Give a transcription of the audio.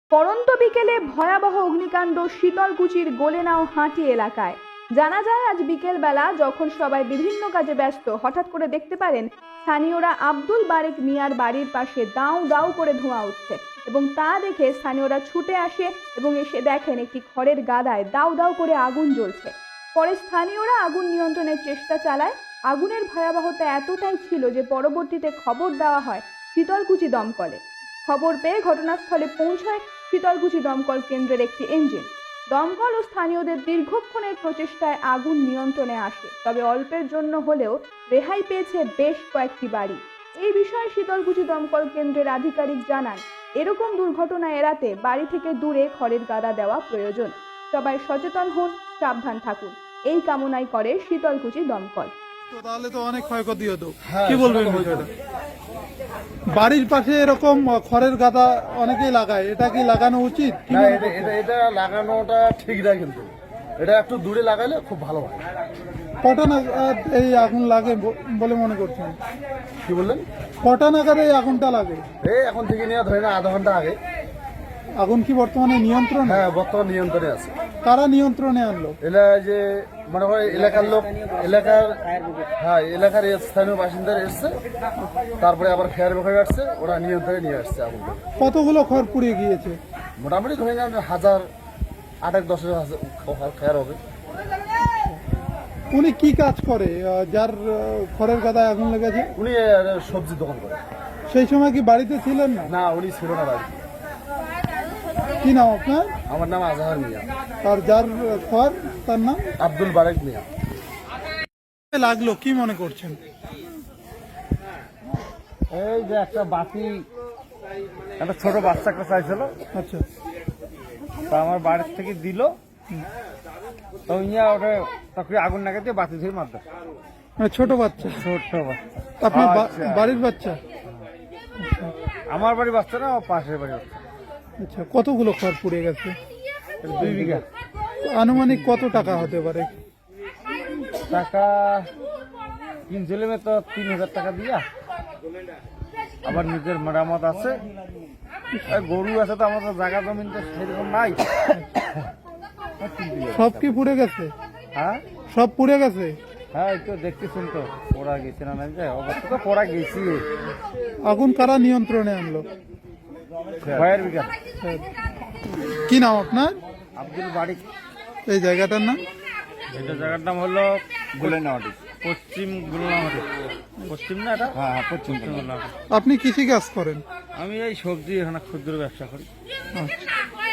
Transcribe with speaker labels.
Speaker 1: পড়ন্ত বিকেলে ভয়াবহ অগ্নিকাণ্ড শীতলকুচির গোলেনাও হাঁটি এলাকায়। জানা যায় আজ বিকেলবেলা যখন সবাই বিভিন্ন কাজে ব্যস্ত, হঠাৎ করে দেখতে পারেন স্থানীয়রা আব্দুল বারেক মিয়ার বাড়ির পাশে দাউ দাউ করে ধোঁয়া উঠছে এবং তা দেখে স্থানীয়রা ছুটে আসে এবং এসে দেখেন একটি খড়ের গাদায় দাউ দাউ করে আগুন জ্বলছে। পরে স্থানীয়রা আগুন নিয়ন্ত্রণের চেষ্টা চালায়। আগুনের ভয়াবহতা এতটাই ছিল যে পরবর্তীতে খবর দেওয়া হয় শীতলকুচি দমকলে। খবর পেয়ে ঘটনাস্থলে পৌঁছায় শীতলকুচি দমকল কেন্দ্রের একটি ইঞ্জিন। দমকল ও স্থানীয়দের দীর্ঘক্ষণের প্রচেষ্টায় আগুন নিয়ন্ত্রণে আসে, তবে অল্পের জন্য হলেও রেহাই পেয়েছে বেশ কয়েকটি বাড়ি। এই বিষয়ে শীতলকুচি দমকল কেন্দ্রের আধিকারিক জানান, এরকম দুর্ঘটনা এড়াতে বাড়ি থেকে দূরে খড়ের গাদা দেওয়া প্রয়োজন। সবাই সচেতন হন, সাবধান থাকুন, এই কামনাই করে শীতলকুচি দমকল।
Speaker 2: তাহলে তো অনেক ক্ষয়ক্ষতি হতো, কি বলবেন বিষয়টা? বাড়ির পাশে এরকম খড়ের গাদা অনেকেই লাগায়, এটা কি লাগানো উচিত?
Speaker 3: না, এটা লাগানোটা ঠিক না, কিন্তু এটা একটু দূরে লাগালে খুব ভালো হয়।
Speaker 2: কটা নাগাদ এই আগুন লাগে বলে মনে করছেন?
Speaker 3: কি বললেন?
Speaker 2: কটা নাগাদ এই আগুনটা লাগে?
Speaker 3: এই এখন থেকে নিয়ে ধরে না আধা ঘন্টা আগে।
Speaker 2: আগুন কি বর্তমানে নিয়ন্ত্রণ?
Speaker 3: হ্যাঁ, বর্তমান নিয়ন্ত্রণে আছে।
Speaker 2: কারা নিয়ন্ত্রণে আনলো?
Speaker 3: এলা যে মনে হয় এলাকার লোক, এলাকার স্থানীয় বাসিন্দারা এসছে, তারপরে আবার ফায়ার ব্রিগেড আসছে, ওরা নিয়ন্ত্রণে নিয়ে আসছে আগুনটা।
Speaker 2: কতগুলো খড় পুড়িয়ে গিয়েছে?
Speaker 3: মোটামুটি ধরে নেন 1000-1000 ফায়ার হবে।
Speaker 2: উনি কি কাজ করে যার খড়ের গাদায় আগুন লেগেছে?
Speaker 3: উনি সবজি দোকান করে।
Speaker 2: সেই সময় কি বাড়িতে ছিলেন না?
Speaker 3: না, উনি ছিল না বাড়ি।
Speaker 2: কি নাম আপনার?
Speaker 3: আমার নাম আজহার মিয়া।
Speaker 2: আর যার খড় তার নাম
Speaker 3: আব্দুল বারেক মিয়া।
Speaker 2: লাগলো কি মনে করছেন?
Speaker 4: এই যে একটা বাতি, একটা ছোট বাচ্চা একটা চাইছিল,
Speaker 2: আচ্ছা,
Speaker 4: তা আমার বাড়ির থেকে দিল, তো ইয়া ওটা তখন আগুন লাগাতে বাতি ধরে মারতে।
Speaker 2: মানে ছোট বাচ্চা?
Speaker 4: ছোট বাচ্চা।
Speaker 2: আপনি
Speaker 4: আচ্ছা।
Speaker 2: বাড়ির বাচ্চা?
Speaker 4: আমার বাড়ির বাচ্চা না, পাশের বাড়ির বাচ্চা।
Speaker 2: আচ্ছা, কতগুলো খড় পুড়ে গেছে?
Speaker 4: 2 বিঘা।
Speaker 2: আনুমানিক কত টাকা হতে পারে?
Speaker 4: টাকা কিনছিল তো 3000 টাকা দিয়া, আবার নিজের মেরামত আছে, আর গরু আছে, তো আমাদের জায়গা জমিন তো সেরকম নাই।
Speaker 2: সব কি পুড়ে গেছে?
Speaker 4: হ্যাঁ
Speaker 2: সব পুড়ে গেছে?
Speaker 4: হ্যাঁ, একটু দেখতেছেন তো পড়া গেছে না, নাই যায় অবস্থা তো পড়া গেছি।
Speaker 2: আগুন কারা নিয়ন্ত্রণে আনলো?
Speaker 4: Fire brigade.
Speaker 2: কি নাম আপনার?
Speaker 4: আব্দুল বারিক।
Speaker 2: এই জায়গাটার নাম?
Speaker 4: এটা জায়গার নাম হলো গুলেনাহাটি, পশ্চিম গুলেনাহাটি। পশ্চিম না এটা? হ্যাঁ, পশ্চিম গুলেনাহাটি।
Speaker 2: আপনি কৃষি কাজ করেন?
Speaker 4: আমি এই সবজি এখানে ক্ষুদ্র ব্যবসা করি।
Speaker 2: আচ্ছা।